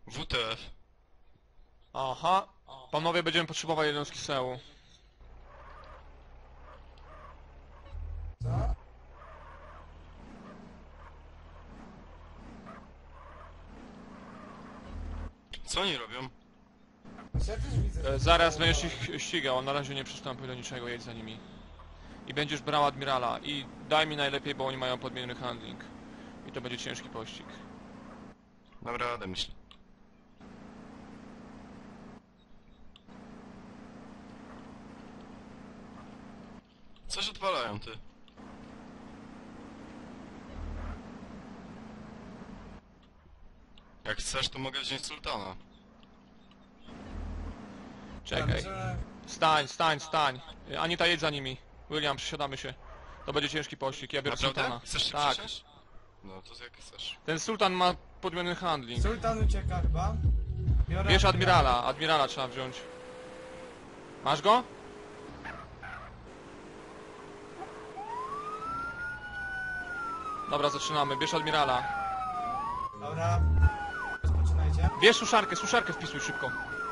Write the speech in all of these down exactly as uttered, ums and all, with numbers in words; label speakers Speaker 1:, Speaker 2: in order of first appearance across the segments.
Speaker 1: W T F.
Speaker 2: Aha. Panowie, będziemy potrzebować jednostki sełu.
Speaker 3: Co?
Speaker 1: Co oni robią?
Speaker 3: Ja też widzę.
Speaker 2: E,
Speaker 3: że
Speaker 2: zaraz
Speaker 3: to-
Speaker 2: będziesz ich ścigał, na razie nie przystępuj do niczego, jedź za nimi. I będziesz brał admirala. I daj mi najlepiej, bo oni mają podmieniony handling. I to będzie ciężki pościg.
Speaker 1: Dam radę, myślę. Coś odpalają, ty. Jak chcesz, to mogę wziąć sultana.
Speaker 2: Czekaj.
Speaker 3: Że-
Speaker 2: Stań, stań, stań. E, Anita, jedź za nimi. William, przesiadamy się. To będzie ciężki pościg, ja biorę
Speaker 1: Naprawdę?
Speaker 2: sultana.
Speaker 1: Chcesz się
Speaker 2: Tak.
Speaker 1: przesiąść? No, to jak chcesz.
Speaker 2: Ten sultan ma podmieniony handling.
Speaker 3: Sultan ucieka chyba. Biorę
Speaker 2: Bierz admirala, admirala trzeba wziąć. Masz go? Dobra, zaczynamy. Bierz admirala.
Speaker 3: Dobra. Rozpoczynajcie.
Speaker 2: Bierz suszarkę, suszarkę wpisuj szybko.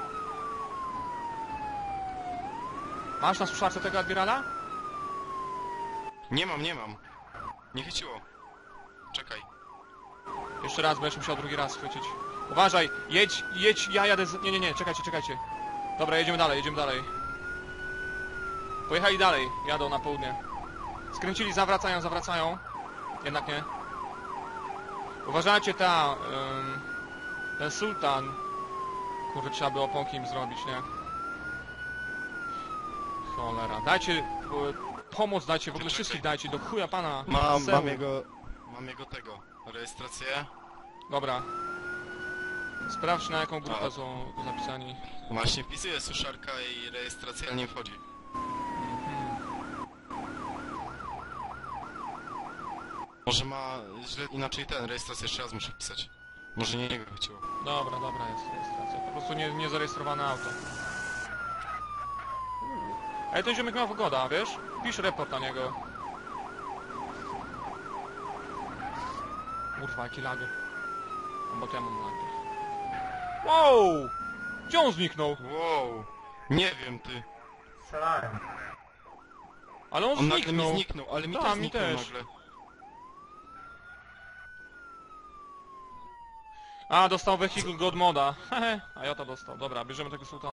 Speaker 2: Masz na suszarce tego admirala?
Speaker 1: Nie mam, nie mam. Nie chyciło. Czekaj.
Speaker 2: Jeszcze raz, będziesz musiał drugi raz chwycić. Uważaj, jedź, jedź, ja jadę z... Nie, nie, nie, czekajcie, czekajcie. Dobra, jedziemy dalej, jedziemy dalej. Pojechali dalej, jadą na południe. Skręcili, zawracają, zawracają. Jednak nie. Uważajcie, ta... Ym, ten sultan... Kurde, trzeba by oponki im zrobić, nie? Cholera, dajcie... y, Pomoc dajcie, w ogóle
Speaker 1: Czekaj.
Speaker 2: wszystkich dajcie, do chuja pana.
Speaker 1: Mam,
Speaker 2: Seł.
Speaker 1: mam jego... Mam jego tego. Rejestrację.
Speaker 2: Dobra. Sprawdź, na jaką grupę
Speaker 1: A.
Speaker 2: są zapisani.
Speaker 1: Właśnie wpisuję suszarka i rejestracja nie wchodzi. Może ma źle inaczej ten, rejestrację jeszcze raz muszę wpisać. Może nie jego chciło.
Speaker 2: Dobra, dobra jest rejestracja. Po prostu nie, nie zarejestrowane auto. Ej, ten ziomek miał wygoda, wiesz? Pisz report na niego. Kurwa, jaki lager. Bo to ja mam lager. Wow! Gdzie on zniknął?
Speaker 1: Wow! Nie wiem ty.
Speaker 3: Strzelałem.
Speaker 2: Ale on,
Speaker 1: On nagle
Speaker 2: zniknął.
Speaker 1: mi zniknął, ale mi
Speaker 2: Ta,
Speaker 1: też
Speaker 2: mi
Speaker 1: zniknął
Speaker 2: też.
Speaker 1: nagle.
Speaker 2: A, dostał vehicle god moda. Hehe, a ja to dostał. Dobra, bierzemy tego sultana.